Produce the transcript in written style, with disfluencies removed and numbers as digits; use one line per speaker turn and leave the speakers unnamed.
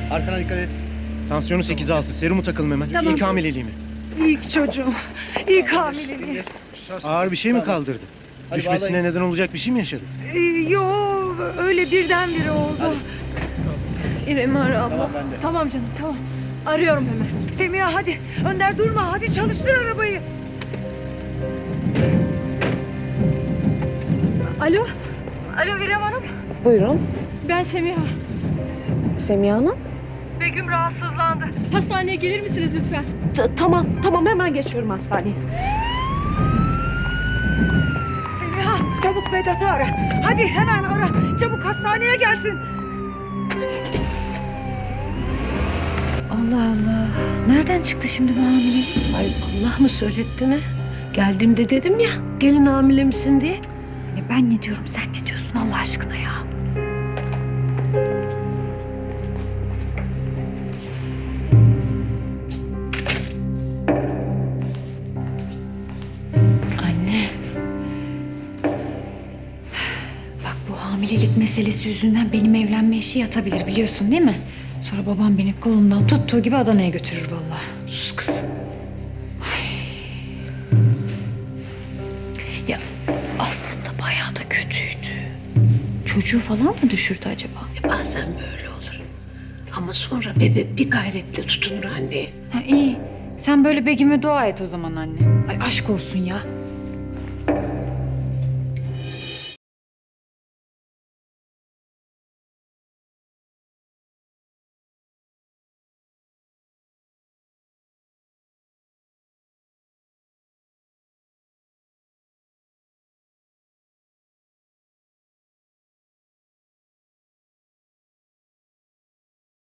Arkana dikkat et. Tansiyonu 8-6. Serumu takalım hemen.
Tamam.
İlk hamileliği mi?
İlk çocuğum. İlk hamileliği.
Ağır bir şey mi kaldırdı? Düşmesine neden olacak bir şey mi yaşadı?
Yo öyle birdenbire oldu. İrem'i ara abla. Tamam canım tamam. Arıyorum hemen. Semiha hadi. Önder durma. Hadi çalıştır arabayı. Alo. Alo İrem Hanım.
Buyurun.
Ben Semiha.
Semiha Hanım.
Begüm rahatsızlandı. Hastaneye gelir misiniz lütfen?
Tamam hemen geçiyorum hastaneye.
Semiha çabuk Vedat'ı ara. Hadi hemen ara. Çabuk hastaneye gelsin.
Allah Allah. Nereden çıktı şimdi bu hamilelik?
Ay Allah mı söyletti ne? Geldiğimde dedim ya gelin hamile misin diye.
Ya ben ne diyorum sen ne diyorsun Allah aşkına ya? Anne. Bak bu hamilelik meselesi yüzünden benim evlenme işi yatabilir biliyorsun değil mi? Sonra babam beni kolumdan tuttuğu gibi Adana'ya götürür vallahi.
Sus kız. Ya aslında bayağı da kötüydü.
Çocuğu falan mı düşürdü acaba?
Bazen böyle olur. Ama sonra bebe bir gayretle tutunur anneye.
Ha iyi. Sen böyle Begüm'e dua et o zaman anne. Ay aşk olsun ya.